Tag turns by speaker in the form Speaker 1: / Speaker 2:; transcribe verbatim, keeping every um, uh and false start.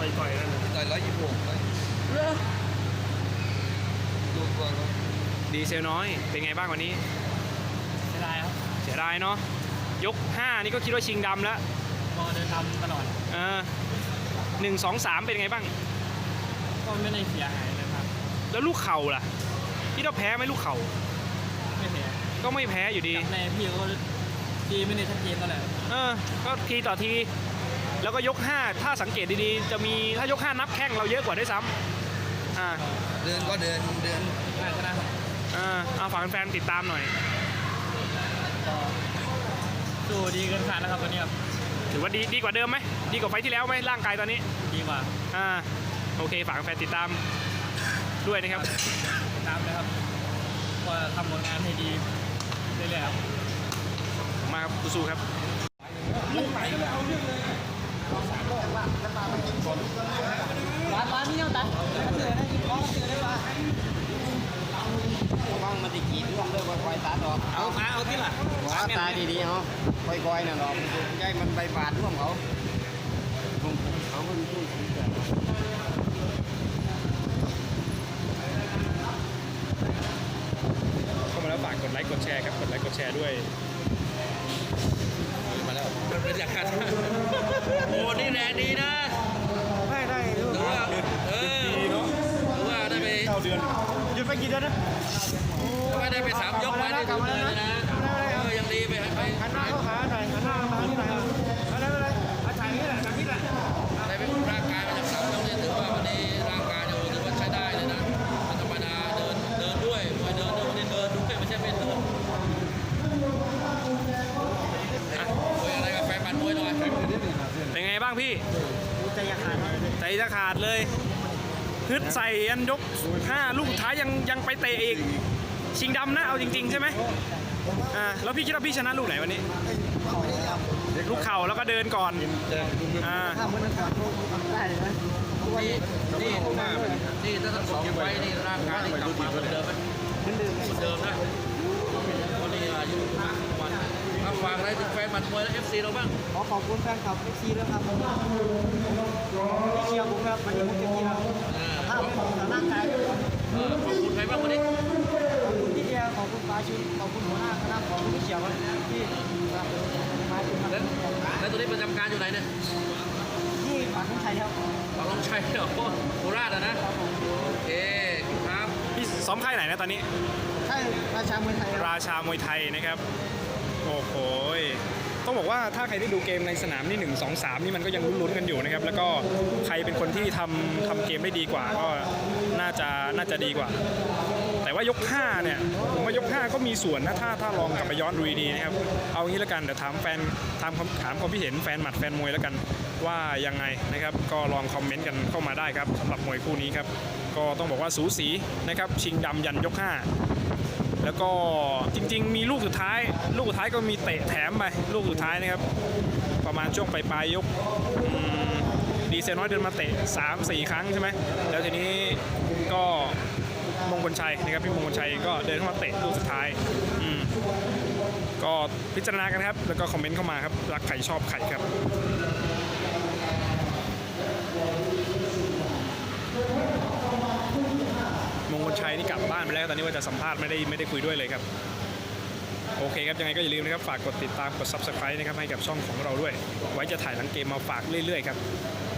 Speaker 1: อยต่อยนั่นต่อยร้อยยี่สิบหกเลยดูตัวเขา
Speaker 2: ดีเซลน้อยเป็นไงบ้างวันนี้
Speaker 3: เสียดายครับ
Speaker 2: เสียดายเนาะยกห้านี่ก็คิดว่าชิงดำแล้ว
Speaker 3: พอเดินทำตลอด
Speaker 2: เออหนึ่งสองสามเป็นไงบ้าง
Speaker 3: ก็ไม่ได้เสียหายเลยครับ
Speaker 2: แล้วลูกเข่าล่ะที่เราแพ้ไหมลูกเข่า
Speaker 3: ไม่แพ้
Speaker 2: ก็ไม่แพ้อยู่ดี
Speaker 3: ในพี่ก็ทีไม่ได้ชัดเจนเท่าไหร่
Speaker 2: เออก็ทีต่อทีแล้วก็ยกห้าถ้าสังเกตดีๆจะมีถ้ายกห้านับแข้งเราเยอะกว่าด้วยซ้ำอ่า
Speaker 1: เดินก็เดินเดิน
Speaker 3: น่าจะนะ
Speaker 2: อ่าเอาฝากแฟนติดตามหน่อย
Speaker 3: สู้ดีเกินขาดแล้วครับวันนี้ครับ
Speaker 2: ถือว่าดีดีกว่าเดิมไหมดีกว่าไฟที่แล้วไหมร่างกายตอนนี้
Speaker 3: ดีกว่า
Speaker 2: อ่าโอเคฝากแฟนติดตามด้วยนะครับ
Speaker 3: ติดตามเลยครับก็ทำผลงานให้ดีเรื่อยๆครับ
Speaker 2: มาครับสู้ครับ
Speaker 3: ลุงไหนก็ไม่เอาเรื่องเลยร้านร้านนี้เอาตัดเตือนได้ยินร้องเตือนได้ว่า
Speaker 1: ว่างมันติกีร่วงด้วยคอยตาดอก
Speaker 3: เอาตาเอาที่ล่ะ
Speaker 1: ตาดีๆเขาคอยๆน่ะดอกใจมันใบบาดร่วงเขาเขาเป็นผู้สนใจ
Speaker 2: เข้ามาแล้วฝากกดไลค์กดแชร์ครับกดไลค์กดแชร์ด้วย
Speaker 1: มาแล้วเป็นอย่างนั้นโอ้นี่แรงดีนะ
Speaker 3: ได้ได้
Speaker 1: ดูว่าเออดูว่าได้ไป
Speaker 3: เก้าเดือนหยุดไปกี่เดือนนะ
Speaker 1: ไม่ได้ไปสามยกมาได้ถึงเลยนะเออยังดีไปไป
Speaker 3: หันหน้าเข้าขาหน่อยหันหน้ามาที่ไหนอะไรอะไรอาจารย์นี่แหละอาจารย์นี่แหละ
Speaker 1: ได้ไปร่างกายมาจากสามยกนี่ถือว่าวันนี้ร่างกายถือว่าใช้ได้เลยนะธรรมดาเดินเดินด้วยมวยเดินด้วยวันนี้เดินด้วยไม่ใช่ไม่เดินมวยอะไรกับแฟนมันมวยหน่อย
Speaker 2: เป็นไงบ้างพี่
Speaker 3: ใจจะขาด
Speaker 2: ใจจะขาดเลยฮึดใส่ยันยกห้าลูกท้ายยังยังไปเตะอีกชิงดำนะเอาจริงๆใช่ไหมอ่าแล้วพี่คิดว่าพี่ชนะลูกไหนวันนี้ลูกเข่าแล้วก็เดินก่อนอ่า
Speaker 1: นี่นี่นี่ถ้าทั้งสองไฟนี่ร่างกายนี่กลับมาเหมือนเดิมไหมเหมือนเดิมเหมือนเดิมนะวันนี้อายุมากวันครับฝากอะไรถึงแฟนมันมวยและ เอฟ ซี เราบ้าง
Speaker 3: ขอขอบคุณแฟนคลับ เอฟ ซี ด้วยครับที่เชียร์ผมครับวันนี้ผมเต็มที่แล้วถ้าเป็นร่างกาย
Speaker 1: ขอบคุณใครบ้างวันนี้
Speaker 3: ขอบคุณที่เชียร์ขอบคุณฟ้าชินขอบคุณหัวหน้าคณะของที่เชียร์วันที่มาถึงครับ
Speaker 1: แล้วตัวนี้ประจำการอยู่ไหนเนี่ย
Speaker 3: ที่ปากน้องชัยครับ
Speaker 1: ปากน้องชัยเหรอโคราชอ่ะนะโอเคครับ
Speaker 2: พี่ซ้อมค่ายไหนนะตอนนี้
Speaker 3: ค่ายราชามวยไทย
Speaker 2: ราชามวยไทยนะครับโอ้โหต้องบอกว่าถ้าใครได้ดูเกมในสนามนี่หนึ่ง สอง สามนี่มันก็ยังลุ้นๆกันอยู่นะครับแล้วก็ใครเป็นคนที่ทำทำเกมได้ดีกว่าก็น่าจะน่าจะดีกว่าแต่ว่ายกห้าเนี่ยผมว่ายกห้าก็มีส่วนนะถ้าถ้าลองกลับไปย้อนดูดีๆนะครับเอางี้แล้วกันเดี๋ยวถามแฟนถามถามความคิดเห็นแฟนหมัดแฟนมวยแล้วกันว่ายังไงนะครับก็ลองคอมเมนต์กันเข้ามาได้ครับสำหรับมวยคู่นี้ครับก็ต้องบอกว่าสูสีนะครับชิงดำยันยกห้าแล้วก็จริงๆมีลูกสุดท้ายลูกสุดท้ายก็มีเตะแถมไปลูกสุดท้ายนะครับประมาณช่วงปลายๆยกดีเซลน้อยเดินมาเตะ สามสี่ ครั้งใช่ไหมแล้วทีนี้ก็มงคลชัยนะครับพี่มงคลชัยก็เดินเข้ามาเตะลูกสุดท้ายอืมก็พิจารณากันครับแล้วก็คอมเมนต์เข้ามาครับรักใครชอบใครครับมงคลชัยนี่กลับบ้านไปแล้วตอนนี้ว่าจะสัมภาษณ์ไม่ได้ไม่ได้คุยด้วยเลยครับโอเคครับยังไงก็อย่าลืมนะครับฝากกดติดตามกด ซับสไครบ์ นะครับให้กับช่องของเราด้วยไว้จะถ่ายหลังเกมมาฝากเรื่อยๆครับ